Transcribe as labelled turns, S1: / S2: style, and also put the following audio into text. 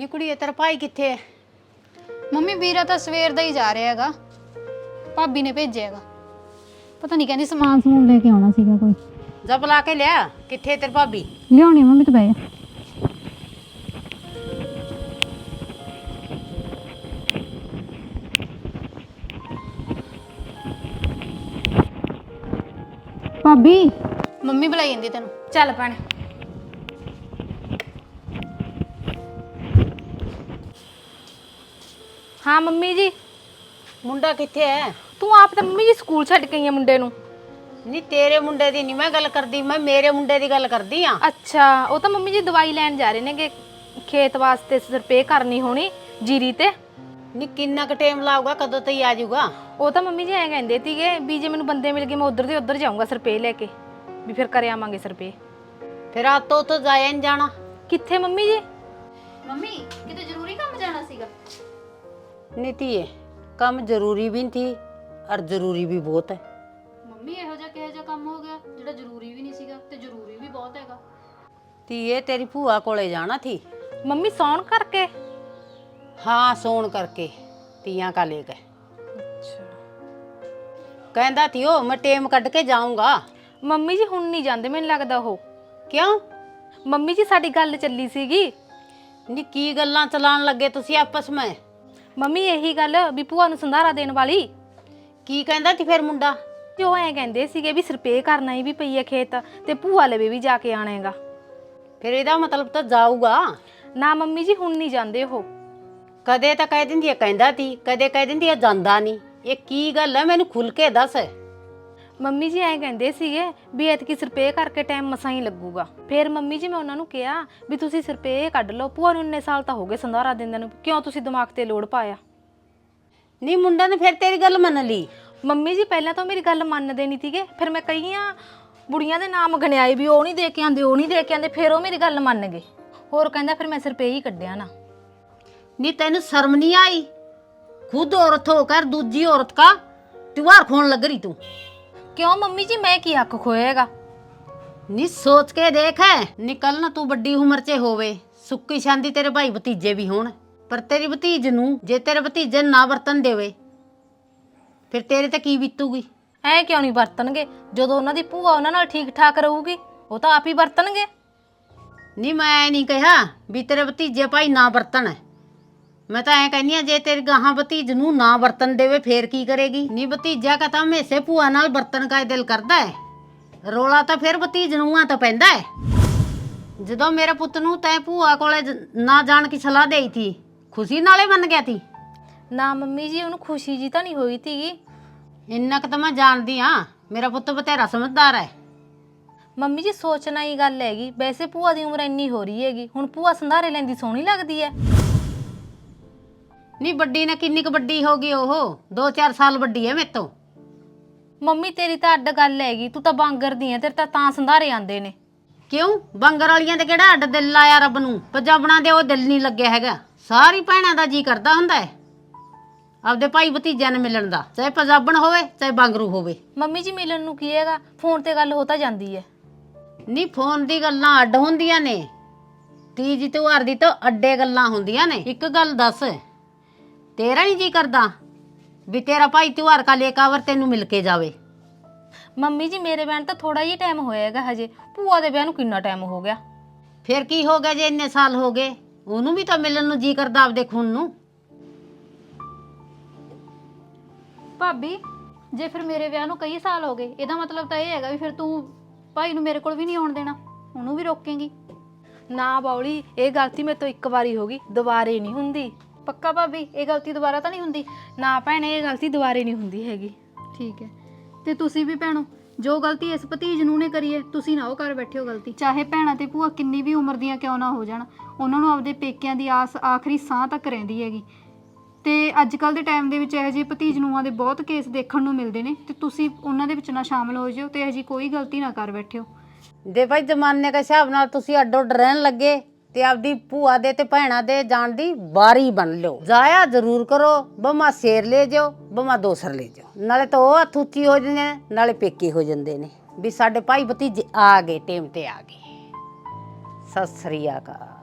S1: ਨੀ ਕੁੜੀਏ ਤੇਰਾ ਭਾਈ ਕਿੱਥੇ ਹੈ?
S2: ਮੰਮੀ ਵੀਰਾ ਤਾਂ ਸਵੇਰ ਦਾ ਹੀ ਜਾ ਰਿਹਾ ਹੈਗਾ। ਭਾਬੀ ਨੇ ਭੇਜਿਆ ਹੈਗਾ। ਪਤਾ ਨਹੀਂ ਕਹਿੰਦੀ ਸਮਾਨ ਸਮੂਨ ਲੈ ਕੇ ਆਉਣਾ ਸੀਗਾ ਕੋਈ।
S1: ਜਾ ਬੁਲਾ ਕੇ ਲਿਆ। ਕਿੱਥੇ ਤੇਰੀ ਭਾਬੀ?
S2: ਲਿਆਉਣੀ ਮੰਮੀ ਤਾਂ ਬਹਿ ਜਾ। ਭਾਬੀ ਮੰਮੀ ਬੁਲਾਈ ਜਾਂਦੀ ਤੈਨੂੰ। ਚੱਲ ਭੈਣੇ।
S3: हाँ मम्मी जी।
S1: ਮੁੰਡਾ ਕਿੱਥੇ ਹੈ?
S3: तू आप तो मम्मी जी स्कूल छड़ गई है मुंडे नु।
S1: ਨੀ ਤੇਰੇ ਮੁੰਡੇ ਦੀ ਨਹੀਂ ਮੈਂ ਗੱਲ ਕਰਦੀ, ਮੈਂ ਮੇਰੇ ਮੁੰਡੇ ਦੀ ਗੱਲ ਕਰਦੀ ਆ।
S3: अच्छा वो तो मम्मी जी दवाई लैन जा रहे ने कि खेत वास्ते स्प्रे करनी होनी जीरी ते।
S1: ਨੀ ਕਿੰਨਾ ਕੁ ਟਾਈਮ ਲਾਊਗਾ, ਕਦੋਂ ਤੱਕ ਆ ਜਾਊਗਾ?
S3: वो तो मम्मी जी ऐ कहंदे सीगे भी जे मैनू बंदे मिल गए मैं उधर दे उधर जाऊंगा स्प्रे लेके भी फिर कर आवांगे स्प्रे।
S1: ਫਿਰ ਆਤੋਂ ਤੋਂ ਜਾਇਆ ਨਹੀਂ ਜਾਣਾ।
S3: कित्थे मम्मी जी?
S2: ਮੰਮੀ ਕਿਤੇ ਜ਼ਰੂਰੀ ਕੰਮ ਜਾਣਾ ਸੀਗਾ।
S1: ਨੀ ਧੀਏ ਕੰਮ ਜ਼ਰੂਰੀ ਵੀ ਨਹੀਂ ਥੀ ਔਰ ਜ਼ਰੂਰੀ ਵੀ ਬਹੁਤ ਹੈ।
S2: ਮੰਮੀ ਇਹੋ ਜਿਹਾ ਕਿਹੋ ਜਿਹਾ ਕੰਮ ਹੋ ਗਿਆ ਜਿਹੜਾ ਜ਼ਰੂਰੀ ਵੀ ਨਹੀਂ ਸੀਗਾ ਤੇ ਜ਼ਰੂਰੀ ਵੀ ਬਹੁਤ ਹੈਗਾ।
S1: ਧੀਏ ਤੇਰੀ ਭੂਆ ਕੋਲੇ ਜਾਣਾ ਥੀ।
S3: मम्मी सौन करके?
S1: हाँ सोन करके तियां का लेके। कहंदा थी ओ मैं टेम कट के जाऊंगा।
S3: मम्मी जी हुण नहीं जांदे मैनूं लगदा हो।
S1: क्यों?
S3: मम्मी जी साडी गल चली सीगी।
S1: नी की गल्लां चलान लगे तुसी आपस में?
S3: मम्मी यही गल भी भूआ नूं संधारा देण वाली।
S1: की कहंदा थी फिर मुंडा?
S3: जो ऐ कहंदे सीगे भी स्प्रे करना ही भी पई है खेत ते भूआ लवे भी जाके आणेगा।
S1: फिर इहदा मतलब तो जाऊगा
S3: ना मम्मी जी हुण नहीं जांदे हो।
S1: कदे तो कह दिंदी है कहंदा थी, कदे कह दिंदी है जांदा नहीं। ये की गल है मैनू खुल के दस।
S3: मम्मी जी ऐ कहंदे सीगे भी एतकी स्प्रे करके टाइम मसां ही लगूगा। फिर मम्मी जी मैं उन्हां नूं कहा भी तुसीं स्प्रे कढ लो, भूआ नूं इन्ने साल तो हो गए संधारा दिंदे नूं, क्यों तुसीं दिमाग ते लोड़ पाया?
S1: नी मुंडा ने फिर तेरी गल मन ली।
S3: मम्मी जी पहले तो मेरी गल मनदे नहीं थीगे, फिर मैं कईयां बुढ़ियां दे नाम गणियाए भी ओह नहीं दे के आंदे, ओह नहीं दे के आंदे, फिर ओह मेरी गल मन गए। होर कहंदा फिर मैं स्प्रे ही कढिया ना।
S1: नी तेन शर्म नहीं आई? खुद औरत होकर दूजी औरत का त्योहार खोन लग रही तू।
S3: क्यों मम्मी जी मैं की हक खोएगा?
S1: नी सोच के देख है निकल ना तू बड़ी उम्र च होवे, सुक्की शांति तेरे भाई भतीजे भी होण, पर तेरी भतीज नू जे तेरे भतीजे ना वरतन देवे फिर तेरे ते की बीतूगी?
S3: ਐ ਕਿਉਂ ਨਹੀਂ ਵਰਤਣਗੇ? ਜਦੋਂ ਉਹਨਾਂ ਦੀ ਭੂਆ ਉਹਨਾਂ ਨਾਲ ਠੀਕ ਠਾਕ ਰਹੂਗੀ ਉਹ ਤਾਂ ਆਪ ਹੀ ਵਰਤਣਗੇ।
S1: ਨੀ मैं नहीं कहा भी तेरे भतीजे भाई ना वरतन, मैं तो ऐ कहनी जे तेरी गाहां भतीज नू ना वरतन देवे फिर की करेगी? नी भतीजा का तो हमेशा भूआ नाल वरतन का दिल करदा है, रोला तो फिर भतीज नूंहां तो पैंदा है। जदों मेरे पुत नू तैं भूआ कोले ना जाण की सलाह देई थी खुशी नाले मन गया थी?
S3: ਨਾ ਮੰਮੀ ਜੀ ਉਹਨੂੰ ਖੁਸ਼ੀ ਜੀ ਤਾਂ ਨਹੀਂ ਹੋਈ ਸੀਗੀ।
S1: इन्ना क तो मैं जानदी हाँ, मेरा पुत बतेरा समझदार है।
S3: ਮੰਮੀ ਜੀ ਸੋਚਣਾ ਹੀ ਗੱਲ ਹੈਗੀ, ਵੈਸੇ ਭੂਆ ਦੀ ਉਮਰ ਇੰਨੀ ਹੋ ਰਹੀ ਹੈਗੀ, ਹੁਣ ਭੂਆ ਸੰਧਾਰੇ ਲੈਂਦੀ ਸੋਹਣੀ ਲੱਗਦੀ ਹੈ।
S1: ਨੀ ਵੱਡੀ ਨੇ ਕਿੰਨੀ ਕੁ ਵੱਡੀ ਹੋ ਗਈ? ਉਹ 2-4 ਸਾਲ ਵੱਡੀ ਹੈ ਮੇਰੇ ਤੋਂ।
S3: ਮੰਮੀ ਤੇਰੀ ਤਾਂ ਅੱਡ ਗੱਲ ਹੈਗੀ, ਤੂੰ ਤਾਂ ਬਾਂਗਰ ਦੀ ਹੈ, ਤੇਰੇ ਤਾਂ ਸੰਧਾਰੇ ਆਂਦੇ ਨੇ।
S1: ਕਿਉਂ ਬੰਗਰ ਵਾਲੀਆਂ ਤੇ ਕਿਹੜਾ ਅੱਡ ਦਿਲ ਲਾਇਆ ਰੱਬ ਨੂੰ? ਪੰਜਾਬਣਾ ਦੇ ਉਹ ਦਿਲ ਨਹੀਂ ਲੱਗਿਆ ਹੈਗਾ। ਸਾਰੀ ਭੈਣਾਂ ਦਾ ਜੀ ਕਰਦਾ ਹੁੰਦਾ ਹੈ ਆਪਦੇ ਭਾਈ ਭਤੀਜਿਆਂ ਨੂੰ ਮਿਲਣ ਦਾ, ਚਾਹੇ ਪੰਜਾਬਣ ਹੋਵੇ ਚਾਹੇ ਬਾਂਗਰੂ ਹੋਵੇ।
S3: ਮੰਮੀ ਜੀ ਮਿਲਣ ਨੂੰ ਕੀ ਹੈਗਾ, ਫੋਨ ਤੇ ਗੱਲ ਹੋ ਤਾਂ ਜਾਂਦੀ ਹੈ।
S1: ਨੀ ਫੋਨ ਦੀ ਗੱਲਾਂ ਅੱਡ ਹੁੰਦੀਆਂ ਨੇ, ਤੀਜ ਤਿਉਹਾਰ ਦੀ ਤਾਂ ਅੱਡੇ ਗੱਲਾਂ ਹੁੰਦੀਆਂ ਨੇ। ਇੱਕ ਗੱਲ ਦੱਸ, ਤੇਰਾ ਨਹੀਂ ਜੀ ਕਰਦਾ ਵੀ ਤੇਰਾ ਭਾਈ ਤਿਉਹਾਰ ਕਾ ਲੇਕਾਵਰ ਤੈਨੂੰ ਮਿਲ ਕੇ ਜਾਵੇ?
S3: ਮੰਮੀ ਜੀ ਮੇਰੇ ਵਿਆਹ ਤਾਂ ਥੋੜਾ ਹੀ ਟਾਈਮ ਹੋਇਆ ਹੈਗਾ ਹਜੇ, ਭੂਆ ਦੇ ਵਿਆਹ ਨੂੰ ਕਿੰਨਾ ਟਾਈਮ ਹੋ ਗਿਆ?
S1: ਫਿਰ ਕੀ ਹੋ ਗਿਆ ਜੇ ਇੰਨੇ ਸਾਲ ਹੋ ਗਏ? ਉਹਨੂੰ ਵੀ ਤਾਂ ਮਿਲਣ ਨੂੰ ਜੀ ਕਰਦਾ ਆਪਦੇ ਖੂਨ ਨੂੰ।
S2: ਭਾਬੀ ਜੇ ਫਿਰ ਮੇਰੇ ਵਿਆਹ ਨੂੰ ਕਈ ਸਾਲ ਹੋ ਗਏ, ਇਹਦਾ ਮਤਲਬ ਤਾਂ ਇਹ ਹੈਗਾ ਵੀ ਫਿਰ ਤੂੰ ਭਾਈ ਨੂੰ ਮੇਰੇ ਕੋਲ ਵੀ ਨਹੀਂ ਆਉਣ ਦੇਣਾ, ਉਹਨੂੰ ਵੀ ਰੋਕੇਂਗੀ?
S3: ਨਾ ਬੌਲੀ, ਇਹ ਗਲਤੀ ਮੇਰੇ ਤੋਂ ਇੱਕ ਵਾਰੀ ਹੋ ਗਈ, ਦੁਬਾਰੇ ਨਹੀਂ ਹੁੰਦੀ।
S2: ਪੱਕਾ ਭਾਬੀ ਇਹ ਗਲਤੀ ਦੁਬਾਰਾ ਤਾਂ ਨਹੀਂ ਹੁੰਦੀ?
S3: ਨਾ ਭੈਣੇ ਇਹ ਗਲਤੀ ਦੁਬਾਰੇ ਨਹੀਂ ਹੁੰਦੀ ਹੈਗੀ।
S2: ਠੀਕ ਹੈ। ਤੇ ਤੁਸੀਂ ਵੀ ਭੈਣੋ ਜੋ ਗਲਤੀ ਇਸ ਭਤੀਜ ਨੂੰ ਨੇ ਕਰੀ ਹੈ ਤੁਸੀਂ ਨਾ ਉਹ ਕਰ ਬੈਠੇ ਹੋ ਗਲਤੀ। ਚਾਹੇ ਭੈਣਾਂ ਤੇ ਭੂਆ ਕਿੰਨੀ ਵੀ ਉਮਰ ਦੀਆਂ ਕਿਉਂ ਨਾ ਹੋ ਜਾਣ, ਉਹਨਾਂ ਨੂੰ ਆਪਦੇ ਪੇਕਿਆਂ ਦੀ ਆਸ ਆਖਰੀ ਸਾਹ ਤੱਕ ਰਹਿੰਦੀ ਹੈਗੀ। ਤੇ ਅੱਜ ਕੱਲ੍ਹ ਦੇ ਟਾਈਮ ਦੇ ਵਿੱਚ ਇਹੋ ਜਿਹੇ ਭਤੀਜ ਨੂੰਹਾਂ ਦੇ ਬਹੁਤ ਕੇਸ ਦੇਖਣ ਨੂੰ ਮਿਲਦੇ ਨੇ, ਤੇ ਤੁਸੀਂ ਉਹਨਾਂ ਦੇ ਵਿੱਚ ਨਾ ਸ਼ਾਮਲ ਹੋ ਜਿਓ ਤੇ ਇਹੋ ਜਿਹੀ ਕੋਈ ਗਲਤੀ ਨਾ ਕਰ ਬੈਠਿਓ।
S1: ਜੇ ਭਾਈ ਜ਼ਮਾਨੇ ਦੇ ਹਿਸਾਬ ਨਾਲ ਤੁਸੀਂ ਅੱਡੋ ਅੱਡ ਰਹਿਣ ਲੱਗੇ ਤੇ ਆਪਦੀ ਭੂਆ ਦੇ ਤੇ ਭੈਣਾਂ ਦੇ ਜਾਣ ਦੀ ਵਾਰੀ ਬਣ ਲਿਓ। ਜਾਇਆ ਜ਼ਰੂਰ ਕਰੋ, ਬਮਾ ਸ਼ੇਰ ਲੈ ਜਾਓ ਬਮਾ ਦੋਸਰ ਲੈ ਜਾਓ, ਨਾਲੇ ਤਾਂ ਉਹ ਹੱਥ ਉੱਚੀ ਹੋ ਜਾਂਦੇ ਨੇ ਨਾਲੇ ਪੇਕੇ ਹੋ ਜਾਂਦੇ ਨੇ ਵੀ ਸਾਡੇ ਭਾਈ ਭਤੀਜੇ ਆ ਗਏ, ਟਾਈਮ ਤੇ ਆ ਗਏ। ਸਤਿ ਸ੍ਰੀ ਅਕਾਲ।